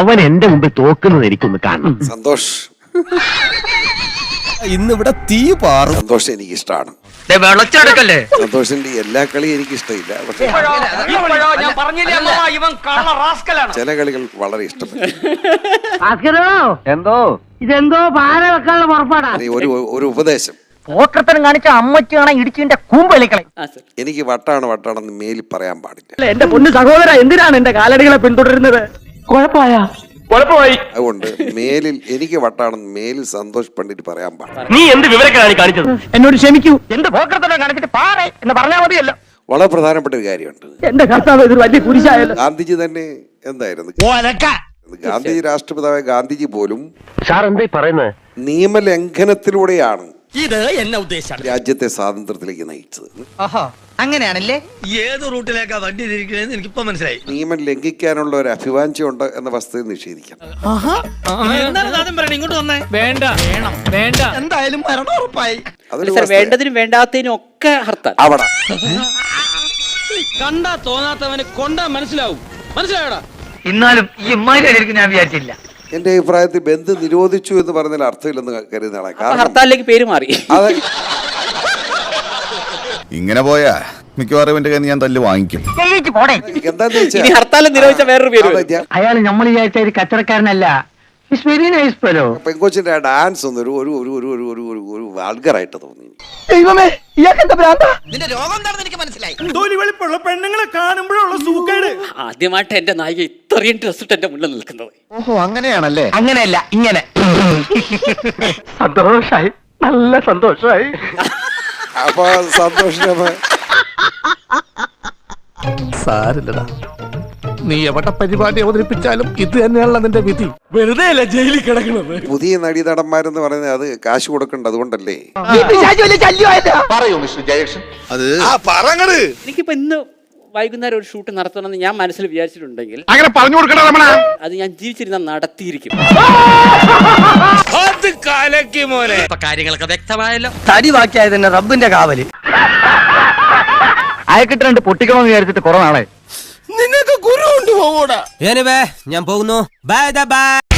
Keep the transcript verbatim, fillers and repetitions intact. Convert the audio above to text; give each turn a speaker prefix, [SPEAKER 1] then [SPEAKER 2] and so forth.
[SPEAKER 1] അവൻ എന്റെ മുമ്പിൽ തോക്കുന്നത് എനിക്കൊന്ന് കാണണം.
[SPEAKER 2] സന്തോഷ്
[SPEAKER 3] ഇന്നിവിടെ തീ പാറും.
[SPEAKER 2] സന്തോഷ് എനിക്ക് ഇഷ്ടമാണ്. സന്തോഷിന്റെ എല്ലാ കളിയും എനിക്ക് ഇഷ്ടമില്ല, പക്ഷെ ചില കളികൾ വളരെ ഇഷ്ടപ്പെട്ടു.
[SPEAKER 1] എന്തോ
[SPEAKER 4] ഇതെന്തോ പാര വെക്കാനുള്ള പുറപ്പാടാ.
[SPEAKER 2] ഒരു ഒരു ഉപദേശം
[SPEAKER 4] പോക്കർത്തനം കാണിച്ച അമ്മയ്ക്ക് കാണാൻ ഇടിച്ചിന്റെ കൂമ്പളിക്കളെ.
[SPEAKER 2] എനിക്ക് വട്ടാണ് വട്ടാണെന്ന് മേലിൽ പറയാൻ പാടില്ല.
[SPEAKER 4] എന്റെ പൊന്നു സഹോദര, എന്തിനാണ് എന്റെ കാലടികളെ പിന്തുടരുന്നത്? കുഴപ്പമായ കുഴപ്പമായി.
[SPEAKER 2] അതുകൊണ്ട് മേലിൽ എനിക്ക് വട്ടാണെന്ന് മേലിൽ സന്തോഷ് പണ്ഡിറ്റ് പറയാൻ പാടില്ല.
[SPEAKER 1] നീ എന്ത് വിവരക്കാണ് കാണിച്ചത്?
[SPEAKER 4] എന്നോട് ക്ഷമിക്കൂ. എന്ത് പോക്കർത്തനം കാണിച്ചിട്ട് പാറേ എന്ന് പറഞ്ഞാൽ മതിയല്ലോ.
[SPEAKER 2] വളരെ പ്രധാനപ്പെട്ട ഒരു കാര്യമുണ്ട്.
[SPEAKER 4] എന്റെ കർത്താവ് ഇതൊരു വലിയ കുരിശായല്ലോ.
[SPEAKER 2] ഗാന്ധിജി തന്നെ എന്തായിരുന്നു? ഗാന്ധിജി രാഷ്ട്രപിതാവായ ഗാന്ധിജി പോലും
[SPEAKER 1] സാർ എന്താ പറയുന്നത്?
[SPEAKER 2] നിയമലംഘനത്തിലൂടെയാണ്
[SPEAKER 3] ഇത് എന്നെ ഉദ്ദേശം
[SPEAKER 2] രാജ്യത്തെ സ്വാതന്ത്ര്യത്തിലേക്ക് നയിച്ചത്.
[SPEAKER 4] അങ്ങനെയാണല്ലേ?
[SPEAKER 3] ഏത് റൂട്ടിലേക്കാ വണ്ടി തിരിക്കണേന്ന് എനിക്കിപ്പോ മനസ്സിലായി.
[SPEAKER 2] നിയമം ലംഘിക്കാനുള്ള ഒരു അഭിവാഞ്ചം ഉണ്ട് എന്ന വസ്തുത നിഷേധിക്കാം.
[SPEAKER 3] ഇങ്ങോട്ട് വന്നേ. വേണ്ട വേണം വേണ്ട എന്തായാലും മരണം ഉറപ്പായി.
[SPEAKER 5] വേണ്ടതിനും വേണ്ടാത്തതിനും ഒക്കെ ഹർത്താൽ.
[SPEAKER 2] അവിടെ
[SPEAKER 3] കണ്ടാ തോന്നാത്തവന് കൊണ്ടാ മനസ്സിലാവും. മനസ്സിലായോടാ?
[SPEAKER 4] എന്നാലും ഈ ഇമ്മാതിരി ഞാൻ വിചാരിച്ചില്ല.
[SPEAKER 2] എന്റെ അഭിപ്രായത്തിൽ ബന്ദ് നിരോധിച്ചു എന്ന് പറഞ്ഞാൽ അർത്ഥമില്ലെന്ന് കരുതുന്ന ആളാണ്. കാരണം
[SPEAKER 5] ഹർത്താലിലേക്ക് പേര് മാറി.
[SPEAKER 2] അത്
[SPEAKER 6] ഇങ്ങനെ പോയാ മിക്കവാറും എന്റെ കയ്യിൽ ഞാൻ തല്ല് വാങ്ങിക്കും.
[SPEAKER 2] എന്താന്ന് വെച്ചാൽ
[SPEAKER 5] ഇനി ഹർത്താൽ നിരോധിച്ച വേറൊരു പേര് വരും.
[SPEAKER 4] അയാൾ നമ്മൾ വിചാരിച്ച ഒരു കച്ചവടക്കാരനല്ല.
[SPEAKER 2] പെങ്കോച്ചിന്റെ ആ ഡാൻസ് ഒന്ന് ഒരു ഒരു ഒരു ഒരു ഒരു ഒരു ഒരു ഒരു വാൾഗറായിട്ട് തോന്നി.
[SPEAKER 4] ദൈവമേ, ഇയാൾക്കെന്താ ഭ്രാന്താ?
[SPEAKER 3] നിന്റെ രോഗം എന്താണെന്ന് എനിക്ക് മനസ്സിലായി. വെളുപ്പുള്ള പെണ്ണുങ്ങളെ കാണുമ്പോഴുള്ള സൂക്കേട്.
[SPEAKER 5] ആദ്യമായിട്ട് എന്റെ നായിക ഇത്രയും ഡ്രസ് ഇട്ട് എന്റെ മുന്നിൽ നിൽക്കുന്നത്.
[SPEAKER 1] ഓഹോ, അങ്ങനെയാണല്ലേ?
[SPEAKER 4] അങ്ങനെയല്ല, ഇങ്ങനെ. സന്തോഷായി, നല്ല സന്തോഷായി.
[SPEAKER 2] അപ്പൊ സന്തോഷം
[SPEAKER 7] സാരില്ലടാ, നീ എവിടെ പരിപാടി അവതരിപ്പിച്ചാലും ഇത് തന്നെയാണല്ലോ നിന്റെ വിധി.
[SPEAKER 3] വെറുതെ അല്ല ജയിലിൽ കിടക്കുന്നത്.
[SPEAKER 2] പുതിയ നടീനടന്മാരെന്ന് പറയുന്നത് അത് കാശ് കൊടുക്കണ്ട, അതുകൊണ്ടല്ലേ.
[SPEAKER 1] പറയൂ മിസ്റ്റർ ജയകൃഷ്ണൻ.
[SPEAKER 6] അത്
[SPEAKER 5] എനിക്കിപ്പോ ഇന്ന് വൈകുന്നേരം ഒരു ഷൂട്ട് നടത്തണമെന്ന് ഞാൻ മനസ്സിൽ വിചാരിച്ചിട്ടുണ്ടെങ്കിൽ
[SPEAKER 1] അങ്ങനെ പറഞ്ഞു കൊടുക്കണ രമണ.
[SPEAKER 5] അത് ഞാൻ ജീവിച്ചിരുന്ന നടത്തിയിരിക്കും.
[SPEAKER 3] കാര്യങ്ങളൊക്കെ വ്യക്തമായല്ലോ.
[SPEAKER 4] തടി ബാക്കിയായത് തന്നെ റബ്ബിന്റെ കാവല്. അയക്കിട്ട് രണ്ട് പൊട്ടിക്കണമെന്ന് വിചാരിച്ചിട്ട് കുറെ നാളെ.
[SPEAKER 3] നിനക്ക് ഗുരു കൊണ്ടുപോകൂടാ. ഞാൻ പോകുന്നു. Bye by.